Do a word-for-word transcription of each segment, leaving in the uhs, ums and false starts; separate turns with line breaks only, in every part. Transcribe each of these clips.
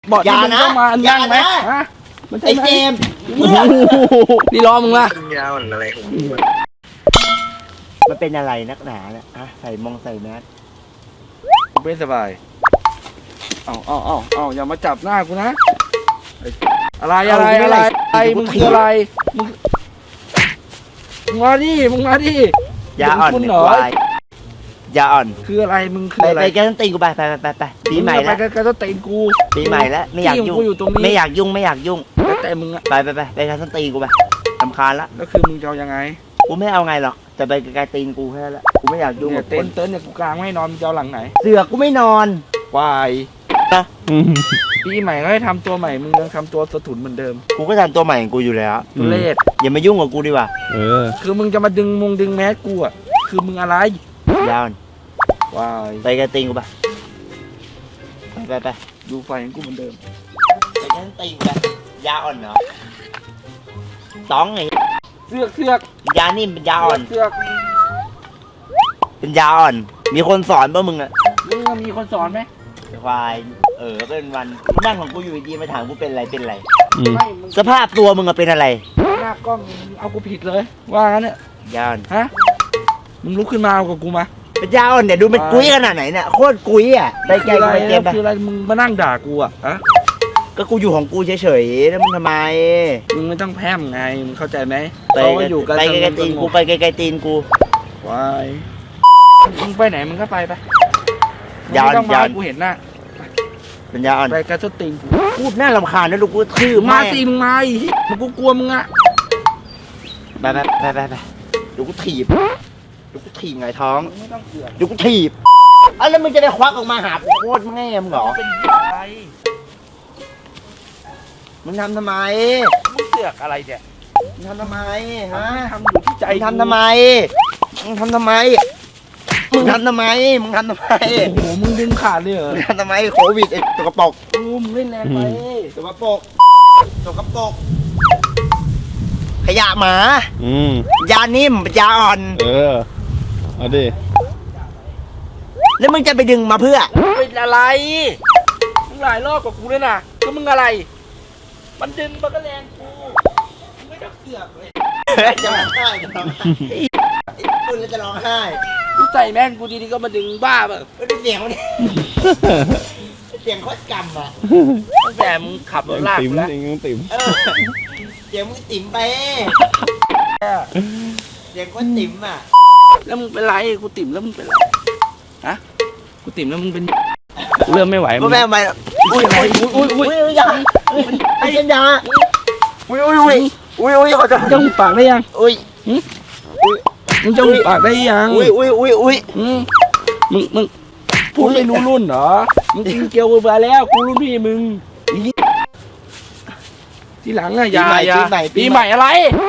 เบาะที่มึงเข้ามานั่งไหมฮะไอ้เจมนี่ล้อมึงละ
ยาวอะไรของมึง
มันเป็นอะไรนักหนาเนี่ยอะใส่มองใส่แมส
ไม่สบายเอาเอาเอาเอาอย่ามาจับหน้ากูนะอะไรอะไรอะไรอะไรมึงคืออะไรมึงมาดิมึงมาดิ
ยาอ่อนเหรอยาอ่อน
คืออะไรมึงคืออะไร
ไปแกต้องตีกูไปไปไปไปปีใหม่แล้ว
ไปแกต้องตีกู
ปีใหม่แล้วไม่อยากยุ่งไม่อยากยุ่งไม่อยากยุ่ง
แต่มึงอะ
ไปไปไปไปแกต้องตีกูไปรำคาญละ
แล้วคือมึงจะเอายังไง
กูไม่เอาไงหรอกแต่ไปไกลตีนกูแค่นั้นแหละกูไม่อยากยุ่ง
เนี่ยเต็นท์เต็นท์เนี่ยกูกลางไม่นอนมึงจะเอาหลังไหน
เสือกูไม่นอน
วายนะปีใหม่ก็ให้ทำตัวใหม่มึงยังทำตัวสะทุนเหมือนเดิม
กูก็ทำตัวใหม่ของกูอยู่แล้ว
ทุเรศ
อย่ามายุ่งกับกูดีกว่า
เออคือมึงจะมาดึงมงดึงแมสกูอ่ะคือมึงอะไร
ยาว
วาย
ไปไกลตีนกูไปไปไป
ดูไฟของกูเหมือนเดิม
ไปแกต้องตีกูไปยาอ่อนเหรอต้องไง
เสือกเสือก
ยานิ่มเป็นยาอ่อน
เสือก
เป็นยาอ่อนมีคนสอนป่ะมึงอะ
มึงมีคนสอนไหม
ควายเออเป็นวันนั่งของกูอยู่ดีมาถามกูเป็นอะไรเป็นอะไรสภาพตัวมึงอะเป็นอะไร
หน้ากล้องเอากูผิดเลยว่างั้นเนี่ย
ยาอ่อน
ฮะมึงลุกขึ้นมาเอากับกูมา
เป็นยาอ่อนเนี่ยดูมันกุ้ยขนาดไหนเนี่ยโคตรกุ้ยอ่ะไปแกไปเกมไป
คืออะไรมึงมานั่งด่ากูอะฮะ
ก็กูอยู่ของกูเฉยๆแล้วมึงทำไม
มึงไม่ต้องแพร่มไงมึงเข้าใจไหม
ไปอยู่ไปไกลๆตีนกูไปไกลๆตีนกู
วายมึงไปไหนมึงก็ไปไป
ยาอ่อนยา
กูเห็นหน้า
เป็นยาอ่อน
ไปกระตุ้นตีน
พูดน่ารำคาญนะลูกกูคือ
มาสิมึงมามึงกูกลัวมึงอะ
ไปไปไปไปไปดูกูถีบดูกูถีบไงท้องดูกูถีบอ่ะแล้วมึงจะได้ควักออกมาหาโคตรแง่มึงเหรอ
เป็นอะไร
มึงทำทำไม
มึงเสือกอะไรเนี่ย
มึงทำทำไมฮะ
ทำอยู่ที่ใจ
ทำทำไมมึงทำทำไมมึงทำทำไมมึงทำทำไม
โอ้โหมึงดึงขาดเลยเหรอ
มึงทำทำไมโควิดไอ้ตัวกระปก
อู้มึงเล่นแรงไป
ตัวกระปกตัวกระปกขยะหมาอืมยานิ่มยาอ่อน
เออเอาดิ
แล้วมึงจะไปดึงมาเพื่อ
เป็นอะไรมึงหลายรอบกับกูเลยนะก็มึงอะไรมันดึงมันก็แรงกูไม่ต้องเสือกเลย
จะร้องไห้จะร้องไห้คุณแล้วจะร้องไห้
กูใส่แม่นกูดีๆก็มาดึงบ้าแบบ
ไม่ได้เสียงมันเสียงโคตรกำอ่ะ
ตั้งแต่มึงขับรถลากแล้ว
เสียงมึงติ๋มเสียงมึงติ๋มไปเสียงโคตรติ๋มอ่ะ
แล้วมึงเป็นไรกูติ๋มแล้วมึงเป็นไรฮะกูติ๋มแล้วมึงเป็นเริ่มไม่ไหว
มึงไม่ไหวอุ้ยอุ้ยอุ้ยอุ้ยอุ้ยยาไอ้เจมยาอุ้ยอุ้ยอุ้ยอุ้ยอุ้ยเขาจะ
จะหุบปากได้ยัง
อุ้ย
อุ้ยมึงจะหุบปากได้ยัง
อุ้ยอุ้ยอุ้ยอุ้ย
มึงมึงพูดไม่รู้รุ่นเหรอมึงกินเกลียวไปแล้วกูรุ่นพี่มึงทีหลังอะอย่าอย่าปีใหม่อะไร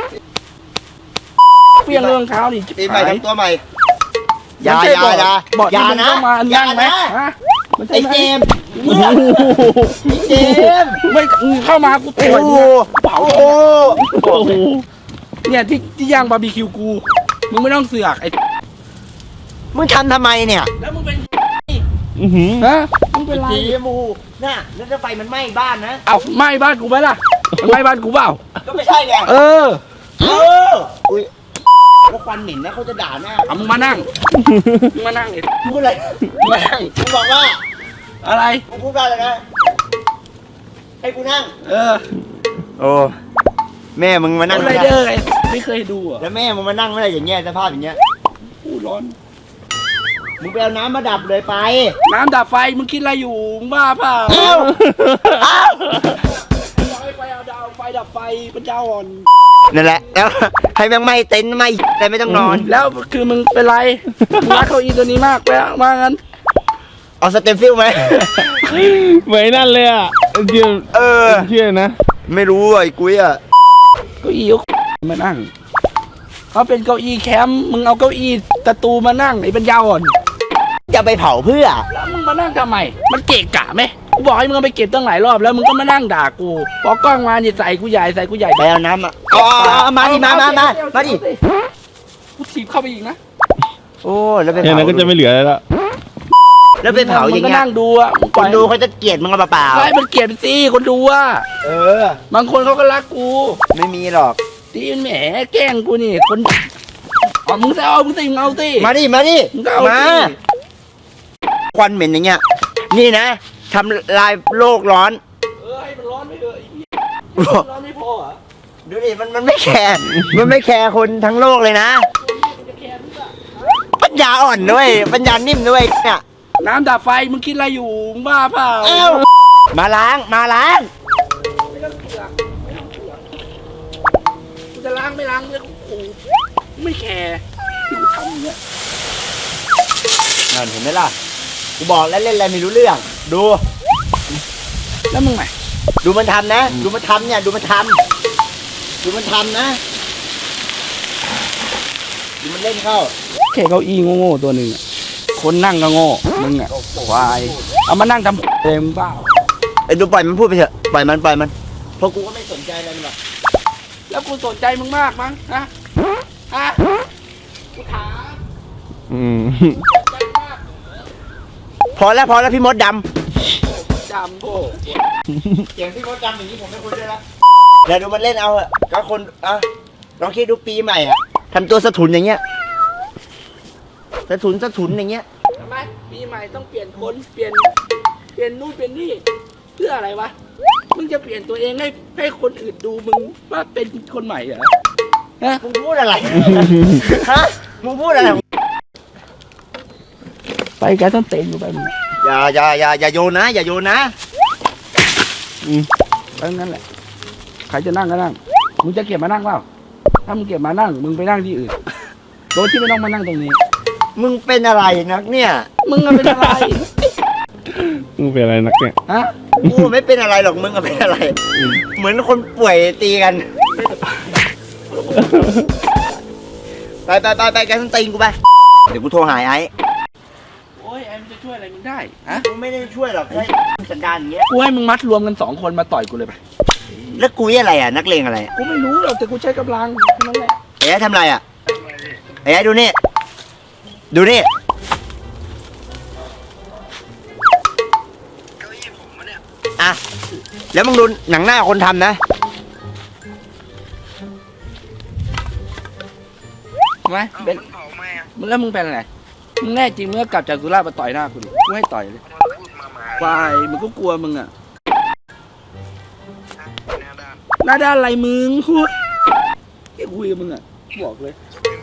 เปลี่ยนเรื่องเท้าดิ
ปีใหม่ทำตัวใหม่ยา
ยายาบอกยานะยาไหม
ไอ้เจมไอ้เจม
ไม่เข้ามากูต่อยเผาโอ้โหเนี่ยที่ที่ย่างบาร์บีคิวกูมึงไม่ต้องเสือกไอ้
มึงทำทำไมเนี่ย
แล้วมึงเป็นฮะมึงเป็นไร
มูน่ะแล้วจะไฟมันไหม้บ้านนะ
เอ้าไหม้บ้านกูไหมล่ะไหม้บ้านกูเปล่า
ก็ไม่ใช่ไง
เออ
เอออุ้ยก็ควันเหม็นนะเขาจะด่าหน้า
เอามึงมานั่งมึงมานั่งไอ้
พูดอะไร
มานั่ง
มึงบอกว่า
อะไร
มึงพูดว่าอะไรนะให้กูนั่ง
เออ
โอ้แม่มึงมานั่ง
อะไรเด้อไอ้ไม่เคยดูอ่ะ
แล้วแม่มึงมานั่งอะไรอย่างเงี้ยสภาพอย่างเงี้ย
อู้ร้อน
มึงไปเอาน้ำมาดับเลยไป
น้ำดับไฟมึงคิดอะไรอยู่มึงบ้าเปล่า
เอ้าเอ้า
ไฟไฟเอาดาวไฟดับไฟเป็นเจ้าอ่อน
นั่นแหละแล้วให้แม่งไม่เต็นไม่แต่ไม่ต้องนอน
แล้วคือมึงเป็นไรมึงรักเก้าอี้ตัวนี้มากไปมางั้น
เอาสเต็มฟิลไหม
เหมือนนั่นเลยอ่ะเชื่อ
เออ
เชื่อนะ
ไม่รู้ไอ้กุ้ยอ่ะ
เก้าอี้มานั่งเขาเป็นเก้าอี้แคมป์มึงเอาเก้าอี้ตะตูมานั่งไอ้เป็นยาอ่อน
จะไปเผาเพื่อ
แล้วมึงมานั่งทำไมมันเกะกะไหมกูบอกให้มึงไปเก็บตั้งหลายรอบแล้วมึงก็มานั่งด่ากูพอกล้องมาเนี่ยใส่กูใหญ่ใส่กูใหญ่
ไปเอาน้ำอ่ะอ๋อมาดิมามามามาดิ
กูถีบเข้าไปอีกนะ
โอ้แล้วเป็น
อย่างนั้นก็จะไม่เหลือแล้ว
แล้วไปเผาอย่าง
มึงก็
เงี้ย
นั่งดูอ่ะมึงป
ค
ล่อน ย
ดูเขาจะเกลียดมึงเปล่า
ใช่มันเกลียดสิคนดูอ่ะ
ๆเออบ
างคนเขาก็รักกู
ไม่มีหรอก
ตีนแหมแกล้งกูนี่คนอ๋อมึงจะเอามึงสิมึงเอาสิ
มาดิมาดิ
มึงก็เอา
มา
สิ
ควันเหม็นอย่างเงี้ยนี่นะทำลายโลกร้อน
เออให้มันร้อนไม่เถอะไอ้เหี้ยร้อนไม่พอเหรอ
ดูดิมันมันไม่แคร์มันไม่แคร์คนทั้งโลกเลยนะ
มันจะแคร์เพื่อ
ปัญญาอ่อนด้วยปัญญานิ่มด้วยเนี่ย
น้ำดับไฟมึงคิดอะไรอยู่มึงบ้าเปล่า
เอ้ามาล้างมาล้าง
ไม่ต้องเสือกไม่ต้องเสือกกูจะล้างไม่ล้างเรื่องของกูไม่แคร์ที่กูทำอย่างเงี้ย
นั่นเห็นไหมล่ะกูบอกแล้วเล่นอะไรไม่รู้เรื่อง ดู
แล้วมึงไง
ดูมันทำนะ ดูมันทำเนี่ยดูมันทำดูมันทำนะดูมันเล่นเข้า
แค่เก้าอี้โง่ๆตัวหนึ่งอะคนนั่งก็โง่มึงอ่ะควายเอามานั่งทำเลยมึงบ้า
ไอ้ดูปล่อยมันพูดไปเถอะปล่อยมันปล่อยมันเพราะกูก็ไม่สนใจอะไรมันหรอก
แล้วกูสนใจมึงมากมั้งฮะฮะกูถาม
อืม
สนใจมาก
พอแล้วพอแล้วพี่มดด
จำโง่
ำเสียงพี่มดดำอย่างนี้ผมไม่คุยด้วยละเดี๋ยวดูมันเล่นเอาอะก็คนอ่ะลองคิดดูปีใหม่อะทำตัวสะทุนอย่างเงี้ยสะทุนสะทุนอย่างเงี้ย
ทำไมปีใหม่ต้องเปลี่ยนคนเปลี่ยนเปลี่ยนนู่นเปลี่ยนนี่เพื่ออะไรวะมึงจะเปลี่ยนตัวเองให้ให้คนอื่นดูมึงว่าเป็นคนใหม่เหรอฮะ
มึงพูดอะไร ฮะมึงพูดอะไร
ไปแกต้องเต็นอยู่ไปมึง
อย่าอย่าอย่าอย่าโยนนะ อย่าโยนนะ
ไปงั้นแหละใครจะนั่งก็นั่งมึงจะเก็บมานั่งเปล่าถ้ามึงเก็บมานั่งมึงไปนั่งที่อื่นโดยที่ไม่ต้องมานั่งตรงนี้
มึงเป็นอะไรนักเนี่ย
มึงอะเป็นอะไร
มึงเป็นอะไรนักเนี่ย
ฮะ
กูไม่เป็นอะไรหรอกมึงอะเป็นอะไร เหมือนคนป่วยตีกัน ไปไปไปไปแกต้องตีนกูไป เดี๋ยวกูโทรหายไอ้
โอ้ยไอ้มันจะช่วยอะไรมึงได้ฮะ
กูไม่ได้ช่วยหรอกแค่สันดานอย่างเงี้ย
กูให้มึงมัดรวมกันสองคนมาต่อยกูเลยไป
แล้วกูอะไรอ่ะนักเลงอะไร
กูไม่รู้หรอกแต่กูใช้กำลังแค่นั้นแหละ
เอ๊ะทำอะไรอ่ะเอ๊ะดูนี่ ดูนี่ อ่ะ แล้วมึงดูหนังหน้าคนทำนะ
ไหมเป็นมึงแล้วมึงเป็นอะไรมึงแน่จริงมึงก็กลับจากสุราษฎร์มาต่อยหน้ากูดิกูให้ต่อยเลยควายมึงก็กลัวมึงอะหน้าด้านอะไรมึงพูดไอ้คุยกับมึงอะบอกเลย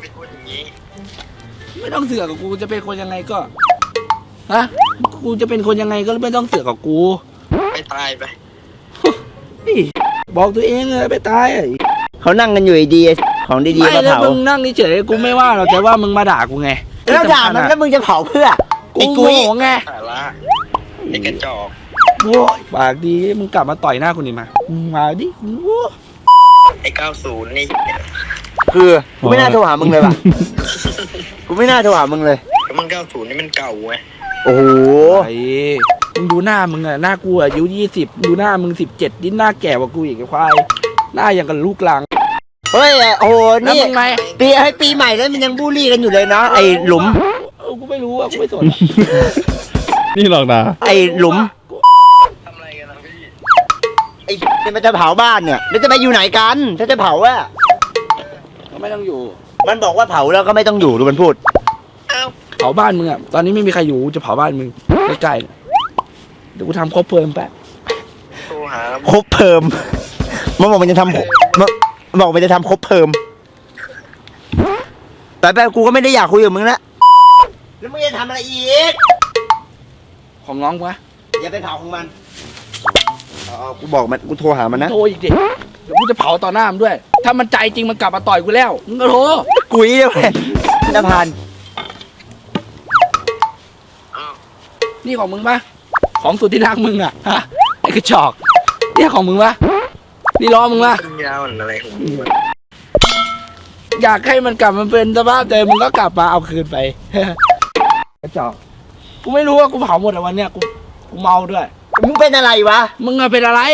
ไม่ต้องเสือกกับกูจะเป็นคนยังไงก็ฮะกูจะเป็นคนยังไงก็ไม่ต้องเสือกกับกู
ไปตายไป
นี่บอกตัวเองเลยไปตายไอ้
เขานั่งกันอยู่ดีๆของดีๆ
ไม่
มา
แล้ว
เผา
มึงนั่งเฉยๆกูไม่ว่าหรอกแต่ว่ามึงมาด่ากูไง
แล้วด่ามันแล้วมึงจะเผาเพื่อ
กู
ไอ้
โม
กุ้ย
โหไง
สาระไอ้กระจอก
โว้ยปากดีมึงกลับมาต่อยหน้ากูนี่มามึงมาดิโว้ย
ไอ้เก้าศูนย์นี่
คือกูไม่น่าโทรหามึงเลยว่ะ กูไม่น่าโทรหามึงเลย
แล้วมันเก้าศูนย์นี่มันเก่าไง
โอ้โห
ไอ้มึงดูหน้ามึงอะหน้ากูอายุยี่สิบดูหน้ามึงสิบเจ็ดนี่หน้าแก่กว่ากูอีกไอ้ควายหน้าอย่างกับลูกหลัง
เฮ้ยโอ้โห
แล้ว
นี่
มึงไง
ปีให้ปีใหม่แล้วมันยังบูลลี่กันอยู่เลยเนาะไอ้หลุม
เออกูไม่รู้อะกูไม่สนอะ
นี่หลอกด่า
ไอ้หลุม
ทำอะไรกันนะพี่
ไอ้เนี่ยมันจะเผาบ้านเนี่ยแล้วจะไปอยู่ไหนกัน ถ้าจะเผาอะ
ก็ไม่ต้องอยู่
มันบอกว่าเผาแล้วก็ไม่ต้องอยู่ดูมันพูด
เอ้า
เผาบ้านมึงอะตอนนี้ไม่มีใครอยู่กูจะเผาบ้านมึงใกล้ๆเนี่ยเดี๋ยวกูทำครบเพลิงแป๊บ
โทรหา
ครบเพิ่มมันบอกมันจะทำมันมันบอกมันจะทำครบเพิ่มแต่แบบกูก็ไม่ได้อยากคุยกับมึงละแล้วมึงจะทำอะไรอีก
ของน้องวะ
อย่าไปเผาของมันอ๋อกูบอกมันกูโทรหามันนะ
โทรอีกดิเดี๋ยวกูจะเผาต่อหน้ามันด้วย ถ้ามันใจจริงมันกลับมาต่อยกูแล้วมึงก็โทร
กุยเดียวเลยจะผ่าน
นี่ของมึงปะของสุดที่รักมึงอะฮะไอ้กระจอกนี่ของมึงปะนี่ล้อมึงปะ
ขึ้นยาวอะไรของมึงวะ
อยากให้มันกลับมาเป็นสภาพเดิมมึงก็กลับมาเอาคืนไป กระจอกกูไม่รู้ว่ากูเผาหมดอะวันเนี้ยกูกูเมาด้วย
มึงเป็นอะไรวะ
มึงอะเป็นอะไร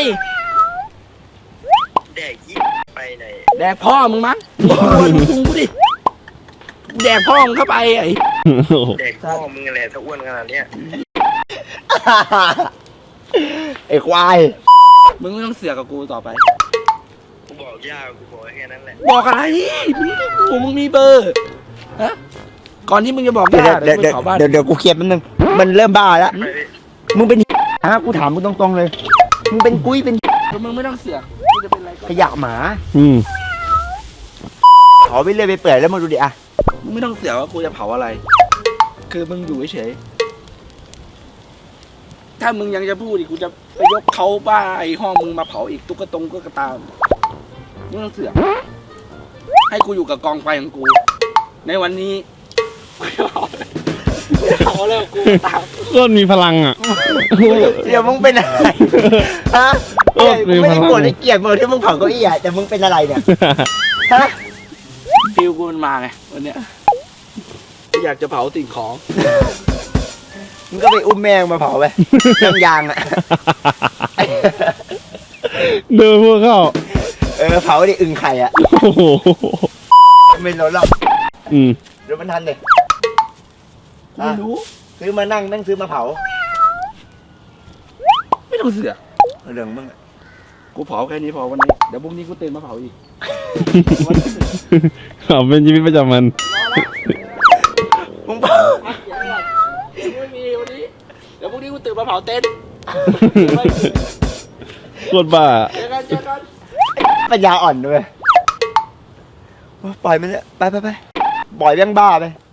แดกยี่ไปไหน
แดกพ่อมึงมั้งโอ้ยมึงพุงกูดิแดกพ่อมึงเข้าไปไอ้
แดกพ่อมึงอะไรถ้าอ้วนขนาดเนี้ย
ไอ้ควาย
มึงไม่ต้องเสือกกับกูต่อไป
กูบอกยากกูบอกแค่นั้นแหละ
บอกอะไรมึงไม่กูมึงมีเบอร์ฮะก่อนที่มึงจะบอก
เดี๋ยว
ย่า
เดี๋ยว
เดี๋
เดี๋
ย
ยว ว
ไปเผาบ้าน
เดี๋ยวเดี๋ยวกูเคลียร์มันนึงมันเริ่มบ้าแล้ว
ไปดิ
มึงเป็นฮะกูถามมึงตรงๆเลย มึงเป็นกุ้ยเป็น
มึงไม่ต้องเสือกกูจะเป็นอะไรก็
ขยะหมา
อืม
ขอไปเรื่อยไปเปื่อยแล้วมาดูดิอะ
มึงไม่ต้องเสือกว่ากูจะเผาอะไร คือมึงอยู่เฉยๆถ้ามึงยังจะพูดอีกกูจะไปยกเขาบ้าไอ้ห้องมึงมาเผาอีกตุ๊กตงตุ๊กตามึงไม่ต้องเสือกให้กูอยู่กับกองไฟของกู ในวันนี้กูจะเผาเผาแล้วกูตาม
ก็มีพลังอ่ะ
เดี๋ยวมึงเป็นอะไรฮะ
เออ
กูไม่ได้โกรธไอ้เกลียดมึงที่มึงเผาเก้าอี้อะแต่มึงเป็นอะไรเนี่ยฮะ
ฟิลกูมันมาไงวันเนี้ยกูอยากจะเผาสิ่งของ
มึงก็ไปอุ้มแมงมาเผาไปยางยางๆอะ
เดินพวกเข้า
เออเผาดิอึ่งไข่อะ
โอ้โห
ไม่รู้หรอก
อืม
เดี๋ยวมันทันเลย
ไม่รู้
ซื้อมานั่งแม่งซื้อมาเผา
ไม่ต้องเสือก
เรื่องมึงอะ
กูเผาแค่นี้พอวันนี้เดี๋ยวพรุ่งนี้กูตื่นมาเผาอีก
เอาเป็นชีวิตประจำวัน
มึงเผา
ไม่มีวันนี้เดี๋ยวพรุ่งนี้กูตื่นมาเผาเต็นท์
โคตรบ้า
เจอกันเจอกัน
ปัญญาอ่อนด้วยปล่อยมันเลยไปไปไปปล่อยแม่งบ้าไป